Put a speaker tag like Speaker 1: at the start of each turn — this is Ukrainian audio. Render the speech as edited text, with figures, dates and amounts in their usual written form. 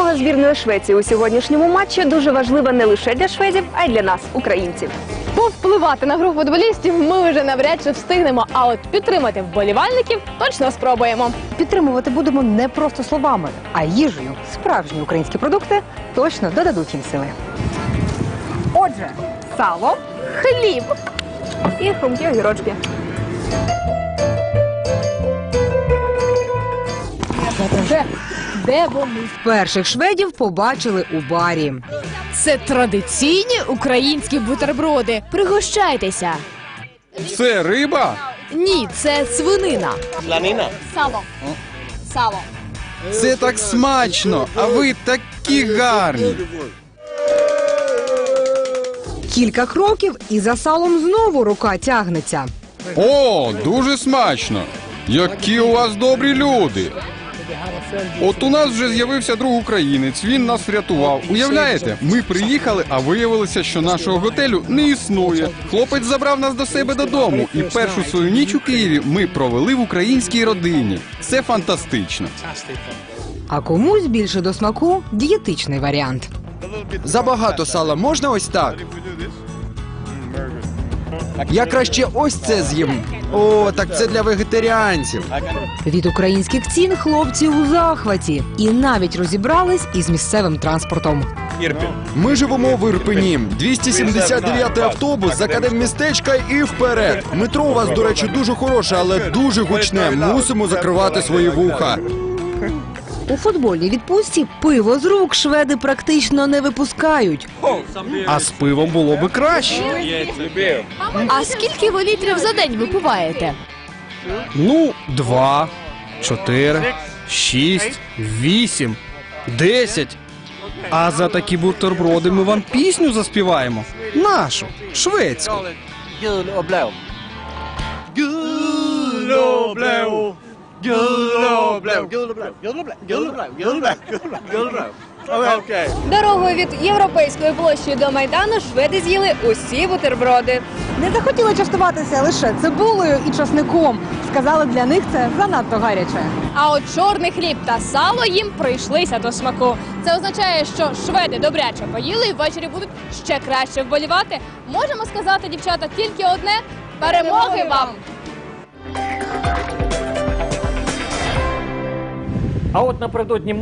Speaker 1: перемога збірної Швеції у сьогоднішньому матчі дуже важлива не лише для шведів, а й для нас, українців.
Speaker 2: Повпливати на гру футболістів ми вже навряд чи встигнемо, а от підтримати вболівальників точно спробуємо.
Speaker 3: Підтримувати будемо не просто словами, а їжею. Справжні українські продукти точно додадуть їм сили. Отже, сало,
Speaker 2: Хліб!
Speaker 1: І хрумкі огірочки.
Speaker 2: Де вони?
Speaker 3: перших шведів побачили у барі.
Speaker 2: Це традиційні українські бутерброди. Пригощайтеся.
Speaker 4: Це риба?
Speaker 2: Ні, це свинина. Сало. Сало.
Speaker 4: Це так смачно, а ви такі гарні.
Speaker 3: Кілька кроків і за салом знову рука тягнеться.
Speaker 4: О, дуже смачно. Які у вас добрі люди. От у нас вже з'явився друг українець, він нас врятував. Уявляєте, ми приїхали, а виявилося, що нашого готелю не існує. Хлопець забрав нас до себе додому, і першу свою ніч у Києві ми провели в українській родині. Це фантастично.
Speaker 3: А комусь більше до смаку дієтичний варіант.
Speaker 5: Забагато сала можна ось так? Я краще ось це з'їм. О, так це для вегетаріанців.
Speaker 3: Від українських цін хлопці у захваті і навіть розібрались із місцевим транспортом.
Speaker 5: Ми живемо в Ірпені. 279-й автобус з академмістечка і вперед. Метро у вас, до речі, дуже хороше, але дуже гучне. Мусимо закривати свої вуха.
Speaker 3: У футбольній відпустці пиво з рук шведи практично не випускають.
Speaker 4: А з пивом було би краще.
Speaker 2: А скільки ви літрів за день випиваєте?
Speaker 6: 2, 4, 6, 8, 10. А за такі бутерброди ми вам пісню заспіваємо. Нашу, шведську.
Speaker 1: Дорогою від Європейської площі до Майдану шведи з'їли усі бутерброди.
Speaker 3: Не захотіли частуватися лише цибулею і часником. Сказали, для них це занадто гаряче.
Speaker 2: А от чорний хліб та сало їм прийшлися до смаку. Це означає, що шведи добряче поїли і ввечері будуть ще краще вболівати. Можемо сказати, дівчата, тільки одне – перемоги вам!
Speaker 7: А от напередодні